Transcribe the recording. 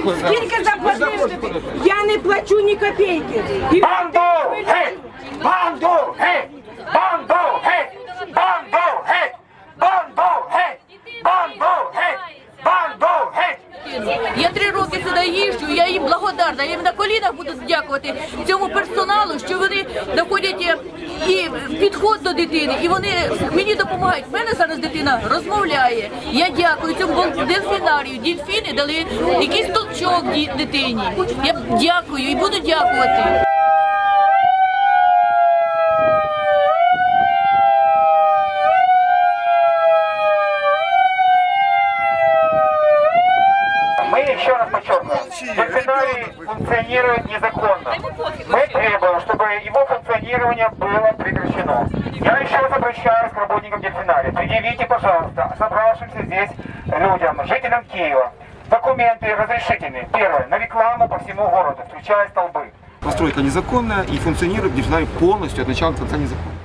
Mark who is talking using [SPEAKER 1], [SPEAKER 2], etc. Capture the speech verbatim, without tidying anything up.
[SPEAKER 1] Скільки заплатили? Я не плачу ні копійки.
[SPEAKER 2] Банду геть! Банду геть! Банду геть! Банду геть! Банду геть! Банду геть! Банду геть!
[SPEAKER 3] Я три роки сюди їжджу, я їм благодарна. Я їм на колінах буду дякувати цьому персоналу, що вони знаходять і підход до дитини, і вони мені допомагають. У мене зараз дитина розмовляє. Я дякую цьому дельфінарію. Дельфіни дали якийсь толчок дитині. Я дякую і буду дякувати.
[SPEAKER 2] Мы еще раз подчеркиваем, дельфинарий функционирует незаконно. Мы требуем, чтобы его функционирование было прекращено. Я еще раз обращаюсь к работникам дельфинария. Предъявите, пожалуйста, собравшимся здесь людям, жителям Киева, документы разрешительные. Первое, на рекламу по всему городу, включая столбы.
[SPEAKER 4] Постройка незаконная и функционирует дельфинарий полностью от начала до конца незаконно.